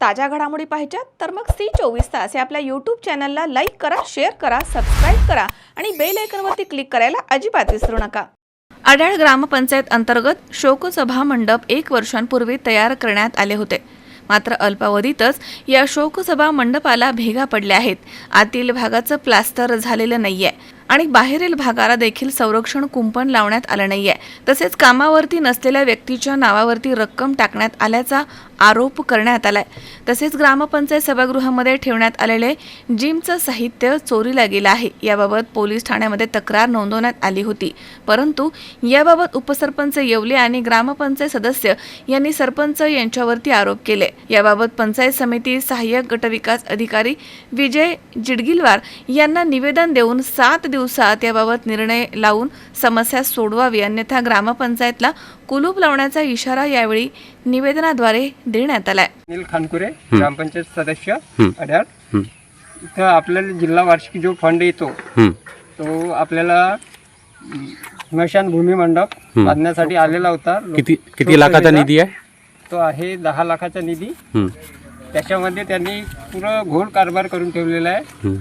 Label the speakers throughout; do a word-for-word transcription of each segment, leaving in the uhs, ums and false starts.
Speaker 1: ताज्या घडामोडी पाहिजेत तर मग सी चोवीस तास या आपल्या यूट्यूब चॅनलला लाईक करा, शेअर करा, सबस्क्राईब करा आणि बेल आयकॉनवरती क्लिक करायला अजिबात विसरू नका। अड्याळ ग्रामपंचायत अंतर्गत शोकसभा मंडप एक वर्षांपूर्वी तयार करण्यात आले होते, मात्र अल्पावधीतच या शोकसभा मंडपाला भेगा पडल्या आहेत। आतील भागाचं प्लास्टर झालेलं नाहीये आणि बाहेरील भागाला देखील संरक्षण कुंपण लावण्यात आलं नाहीये। तसेच कामावरती नसलेल्या व्यक्तीच्या नावावरती रक्कम टाकण्यात आल्याचा आरोप करण्यात आलाय। तसेच ग्रामपंचायत सभागृहामध्ये ठेवण्यात आलेले जिमचं साहित्य चोरीला गेलं आहे। याबाबत पोलीस ठाण्यामध्ये तक्रार नोंदवण्यात आली होती, परंतु याबाबत उपसरपंच येवले आणि ग्रामपंचायत सदस्य यांनी सरपंच यांच्यावरती आरोप केले। याबाबत पंचायत समिती सहाय्यक गटविकास अधिकारी विजय जिडगिलवार यांना निवेदन देऊन सात दिवसात याबाबत निर्णय लावून समस्या सोडवावी, अन्यथा ग्रामपंचायतला कुलूप लावण्याचा इशारा यावेळी निवेदनाद्वारे देण्यात आलाय।
Speaker 2: अनिल खानकुरे, ग्रामपंचायत सदस्य अड्याळ। इथं आपल्याला जिल्हा वार्षिक जो फंड येतो तो आपल्याला स्मशान भूमी मंडप बांधण्यासाठी आलेला होता।
Speaker 3: किती किती लाखाचा निधी आहे?
Speaker 2: तो आहे दहा लाखाचा निधी। त्याच्यामध्ये त्यांनी पुरा घोळ कारभार करून ठेवलेला आहे।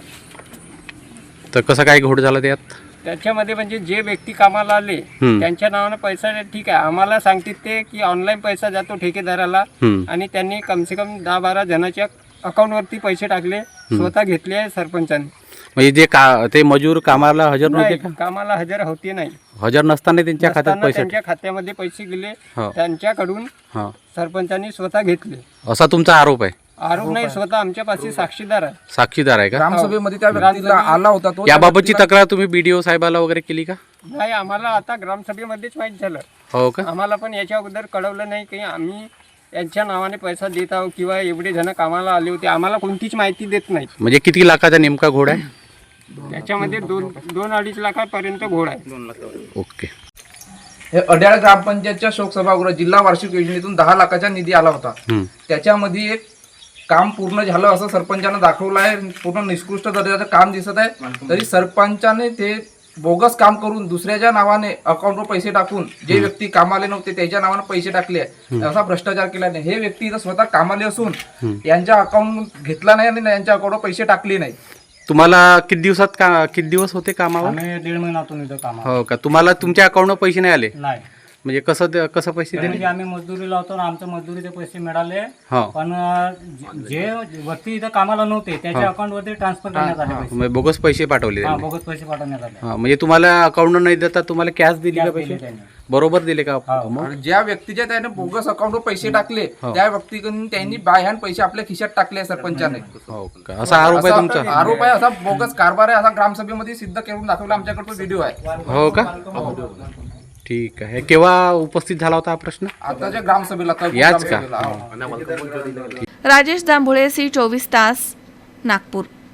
Speaker 3: तर कसं काय घोड झाला त्यात?
Speaker 2: त्याच्यामध्ये म्हणजे जे व्यक्ती कामाला आले त्यांच्या नावाने पैसा ठीक आहे, आम्हाला सांगतात ते की ऑनलाईन पैसा जातो ठेकेदाराला, आणि त्यांनी कमसे कम दहा बारा जणांच्या अकाउंटवरती पैसे टाकले, स्वतः घेतले आहे सरपंचांनी।
Speaker 3: म्हणजे जे का ते मजूर कामाला हजर नव्हते का?
Speaker 2: कामाला हजर होते नाही,
Speaker 3: हजर नसताना त्यांच्या खात्यात पैसे
Speaker 2: त्यांच्या खात्यामध्ये पैसे गेले, त्यांच्याकडून सरपंचांनी स्वतः घेतले
Speaker 3: असा तुमचा आरोप आहे?
Speaker 2: आरोप नाही, स्वतः आमच्या पाशी साक्षीदार आहे।
Speaker 3: साक्षीदार आहे का?
Speaker 4: ग्रामसभेमध्ये त्या व्यक्तीला आला होता तो।
Speaker 3: याबाबतची तक्रार तुम्ही बीडीओ साहेबाला वगैरे केली का?
Speaker 2: नाही, आम्हाला आता ग्रामसभेमध्येच माहीत झालं।
Speaker 3: हो का?
Speaker 2: आम्हाला पण याच्या अगोदर कळवलं नाही की आम्ही यांच्या नावाने पैसा देत आहोत किंवा एवढे जण कामाला आले होते, आम्हाला कोणतीच माहिती देत नाही।
Speaker 3: म्हणजे किती लाखाचा नेमका घोड आहे?
Speaker 2: त्याच्यामध्ये दोन दोन अडीच लाखापर्यंत घोड आहे।
Speaker 3: ओके।
Speaker 4: हे अड्याळ ग्रामपंचायतच्या शोकसभागृह जिल्हा वार्षिक योजनेतून दहा लाखाचा निधी आला होता। त्याच्यामध्ये एक काम पूर्ण झालं असं सरपंचानं दाखवलं आहे, पूर्ण निष्कृष्ट दर्जाचं काम दिसत आहे, तरी सरपंचाने ते बोगस काम करून दुसऱ्याच्या नावाने अकाउंटवर पैसे टाकून जे व्यक्ती कामाले नव्हते त्याच्या नावाने पैसे टाकले, असा भ्रष्टाचार केला नाही। हे व्यक्ती इथं स्वतः कामाले असून यांच्या अकाउंट घेतला नाही आणि यांच्या अकाउंटवर पैसे टाकले नाही।
Speaker 3: तुम्हाला किती दिवसात का किती दिवस होते कामावर?
Speaker 2: आम्ही दीड महिन्यातून इथं कामावर।
Speaker 3: हो का? तुम्हाला तुमच्या अकाउंटवर पैसे नाही आले?
Speaker 2: नाही।
Speaker 3: म्हणजे कसं ते- कसं पैसे दिले?
Speaker 2: म्हणजे आम्ही मजदुरी लावतो ना, आमच्या मजुरीचे पैसे मिळाले,
Speaker 3: हो,
Speaker 2: पण जे व्यक्ती इथं कामाला नव्हते त्याच्या अकाउंटवरती ट्रान्सफर करण्यात आले पैसे।
Speaker 3: म्हणजे बोगस पैसे पाठवले
Speaker 2: हा,
Speaker 3: त्यांनी?
Speaker 2: बोगस पैसे पाठवण्यात आले।
Speaker 3: हा, म्हणजे तुम्हाला अकाउंट नाही देता तुम्हाला कॅश दिली का
Speaker 2: Cash
Speaker 3: पैसे?
Speaker 2: दिले त्यांनी।
Speaker 3: बरोबर दिले का? मग
Speaker 4: आणि ज्या व्यक्तीच्या त्याने बोगस अकाउंटवर पैसे टाकले त्या व्यक्तीकडून त्यांनी बाय हँड पैसे आपल्या खिशात टाकले सरपंचाने।
Speaker 3: हो का? असा आरोप आहे तुमचा?
Speaker 4: असा आरोप आहे, असा बोगस कारभार आहे, असा ग्रामसभेमध्ये सिद्ध करून दाखवला, आमच्याकडे तो व्हिडिओ आहे।
Speaker 3: हो का? ठीक आहे। केव्हा उपस्थित झाला होता हा प्रश्न?
Speaker 4: आताच्या ग्रामसभेला
Speaker 3: याच का?
Speaker 4: ग्रामसभेला, हो.
Speaker 1: राजेश जांभुळे, सी चोवीस तास, नागपूर।